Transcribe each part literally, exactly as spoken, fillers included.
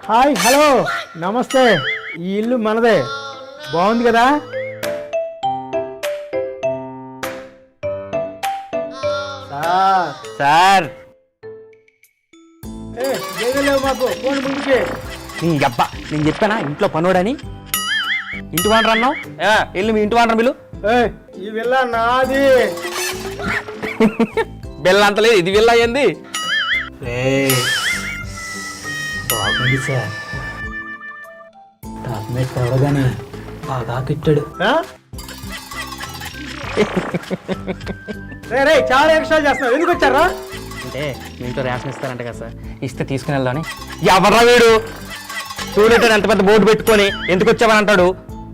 Hi hello నమస్తే. ఈ ఇల్లు మనదే, బాగుంది కదా? సార్ లేవు మాకు ఫోన్ ముందుకే. నీ అబ్బా నేను చెప్పానా ఇంట్లో పనోడని. ఇంటి వానరు అన్నావు, ఇల్లు మీ ఇంటి వానరు బిల్లు. ఈ విల్ల నాది. బిల్ల అంత లేదు, ఇది విల్ల అయ్యింది. బాగుంది సార్, టాప్ మీద చూడగానే బాగా కిట్టాడు. రే చాలా ఎక్స్ట్రా చేస్తున్నావు, ఎందుకు వచ్చారా? అంటే మీ ఇంట్లో రేషన్ ఇస్తారంట కదా సార్, ఇస్తే తీసుకుని వెళ్దామని. ఎవర్రా వీడు చూడంటే ఎంత పెద్ద బోర్డు పెట్టుకొని ఎందుకు వచ్చావని అంటాడు.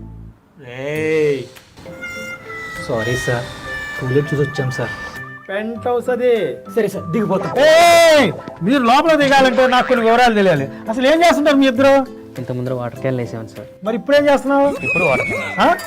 సారీ సార్, టూలెట్ చూసి వచ్చాం సార్. పెంట్ హౌస్ అది. సరే సార్ దిగిపోతాం. మీరు లోపల దిగాలంటే నాకు కొన్ని వివరాలు తెలియాలి. అసలు ఏం చేస్తుంటారు మీ ఇద్దరు? ఇంత ముందర వాటర్ క్యాన్ వేసామని సార్. మరి ఇప్పుడేం చేస్తున్నావు? ఇప్పుడు వాటర్ క్యాన్.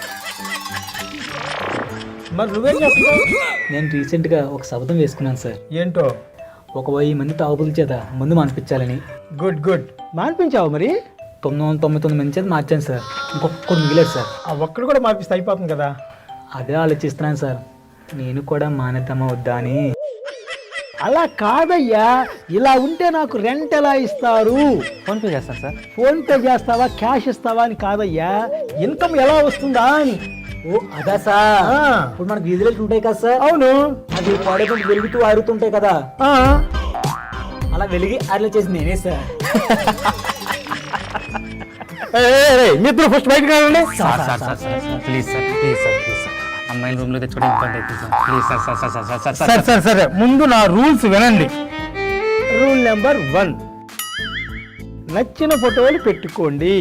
మరి నువ్వేం చేస్తున్నావు? నేను రీసెంట్గా ఒక శబ్దం వేసుకున్నాను సార్. ఏంటో? ఒక వెయ్యి మంది తాగుబుల చేత ముందు మానిపించాలని. Good good. మానిపించావు మరి? తొమ్మిది వందల తొంభై తొమ్మిది మంది చేత మార్చాను సార్. ఇంకొకరు మిగిలేదు సార్. ఆ ఒక్కడు కూడా మార్పిస్తే అయిపోతుంది కదా. అదే ఆలోచిస్తున్నాను సార్, నేను కూడా మానేద్దామా వద్దా అని. అలా కాదయ్యా, ఇలా ఉంటే నాకు రెంట్ ఎలా ఇస్తారు? ఫోన్పే చేస్తాను సార్. ఫోన్పే చేస్తావా క్యాష్ ఇస్తావా అని కాదయ్యా, ఇన్కమ్ ఎలా వస్తుందా అని. ఓ అదా సార్, ఇప్పుడు మనకు వీధిలో ఉంటాయి కదా సార్. అవును, అది పడకుండా వెలుగుతూ ఆరుతుంటాయి కదా, అలా వెలిగి అట్లా చేసి నేనే సార్. మిత్రులు ఫస్ట్ బయటకు రావండి. Sir sir sir sir please sir please sir please sir అమ్మాయిల రూమ్ లో తెచ్చుకోవడం ఇబ్బంది అవుతుంది sir. Please sir sir sir sir sir సరే సరే సరే ముందు నా రూల్స్ వినండి. రూల్ నెంబర్ వన్, నచ్చిన ఫోటోలు పెట్టుకోండి,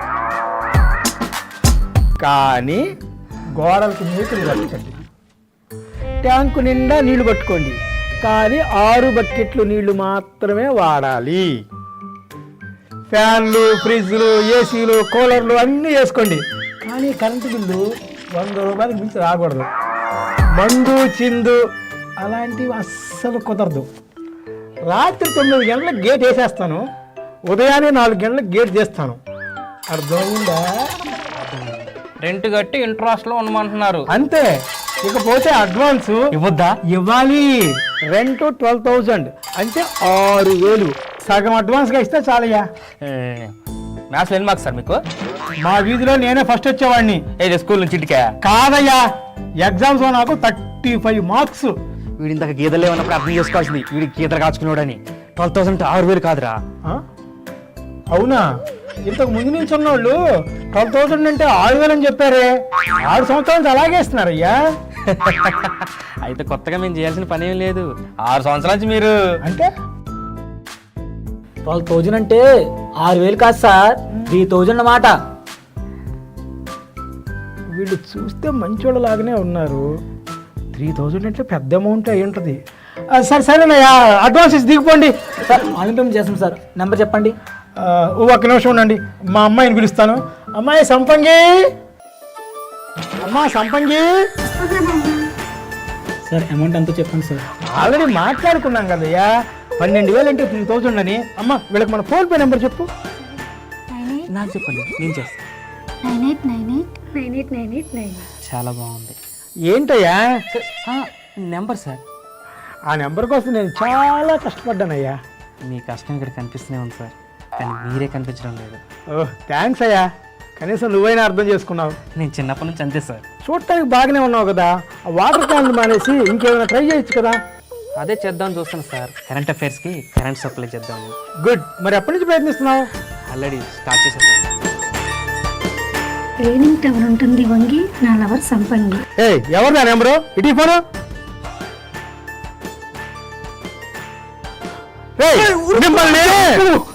కానీ గోడలకు మూకులు కట్టండి. ట్యాంకు నిండా నీళ్లు పట్టుకోండి, కానీ ఆరు బకెట్లు నీళ్లు మాత్రమే వాడాలి. ఫ్యాన్లు, ఫ్రిడ్జ్లు, ఏసీలు, కూలర్లు అన్నీ వేసుకోండి, కానీ కరెంటు బిల్లు వంద రూపాయలకు మించి రాకూడదు. మందు, చిందు అలాంటివి అస్సలు కుదరదు. రాత్రి తొమ్మిది గంటలకు గేట్ వేసేస్తాను, ఉదయాన్నే నాలుగు గంటలకు గేట్ చేస్తాను. అర్థమైందా? రెంట్ కట్టి ఇంట్రెస్ట్ లో ఉండమంటున్నారు అంతే. ఇకపోతే అడ్వాన్స్ ఇవ్వద్దా? ఇవ్వాలి. రెంట్ ట్వెల్వ్ థౌజండ్ అంటే ఆరు వేలు సగం అడ్వాన్స్గా ఇస్తే చాలయ్యా. మ్యాథ్స్ ఎన్ని మార్క్స్ సార్ మీకు? మా వీధిలో నేనే ఫస్ట్ వచ్చేవాడిని. ఏ స్కూల్ నుంచి ఇంటికా? కాదయ్యా, ఎగ్జామ్స్ లో నాకు థర్టీ ఫైవ్ మార్క్స్. వీడి ఇంతక గీతలు ఏమన్నప్పుడు అర్థం చేసుకోవాల్సింది, వీడి గీతలు కాచుకున్నాడని. ట్వెల్వ్ థౌసండ్ ఆరు వేలు కాదురా. అవునా? ఇంతకు ముందు నుంచి ఉన్నోళ్ళు ట్వెల్వ్ థౌసండ్ అంటే ఆరు వేలు అని చెప్పారే. ఆరు సంవత్సరాల నుంచి అలాగే ఇస్తున్నారయ్యా. అయితే కొత్తగా మేము చేయాల్సిన పని ఏం లేదు. ఆరు సంవత్సరాల నుంచి మీరు అంటే ట్వెల్వ్ థౌజండ్ అంటే ఆరు వేలు కాదు సార్, త్రీ థౌజండ్ అన్నమాట. వీళ్ళు చూస్తే మంచోళ్ళ లాగానే ఉన్నారు. త్రీ థౌజండ్ అంటే పెద్ద అమౌంట్ అయి ఉంటుంది. సరే సరేనయ్యా, అడ్వాన్స్ ఇచ్చి దిగిపోండి. సార్ ఆన్లైన్ పేమెంట్ చేస్తాం సార్, నెంబర్ చెప్పండి. ఒక్క నిమిషం ఉండండి, మా అమ్మాయిని పిలుస్తాను. అమ్మాయి సంపంగి, అమ్మా సంపంగి. సార్ అమౌంట్ ఎంతో చెప్పండి సార్. ఆల్రెడీ మాట్లాడుకున్నాం కదయ్యా, పన్నెండు వేలు అంటే త్రీ థౌజండ్ అని. అమ్మ వీళ్ళకి మన ఫోన్పే నెంబర్ చెప్పు. నాకు చెప్పండి, నేను చేస్తాను. Nine eight nine eight nine eight nine eight nine. చాలా బాగుంది. ఏంటయ్యా నెంబర్ సార్? ఆ నెంబర్ కోసం నేను చాలా కష్టపడ్డానయ్యా. మీ కష్టం ఇక్కడ కనిపిస్తూనే ఉంది సార్, కానీ మీరే కనిపించడం లేదు. ఓహ్ థ్యాంక్స్ అయ్యా, కనీసం నువ్వైనా అర్థం చేసుకున్నావు. నేను చిన్నప్పటి నుంచి అంతే సార్. చూడటానికి బాగానే ఉన్నావు కదా, ఆ వాటర్ క్యాన్లు మానేసి ఇంకేమైనా ట్రై చేయొచ్చు కదా. అదే చేద్దామని చూస్తాను సార్, కరెంట్ అఫైర్స్కి కరెంట్ సప్లై చేద్దాము. గుడ్. మరి ఎప్పటి నుంచి ప్రయత్నిస్తున్నావు? ఆల్రెడీ స్టార్ట్ చేసేద్దాం. ట్రైనింగ్ టవర్ ఉంటుంది వంగి, నా లవర్ సంపంగి. ఏ ఎవరు నా నెంబరు? ఇటీ ఫోను. మిమ్మల్ని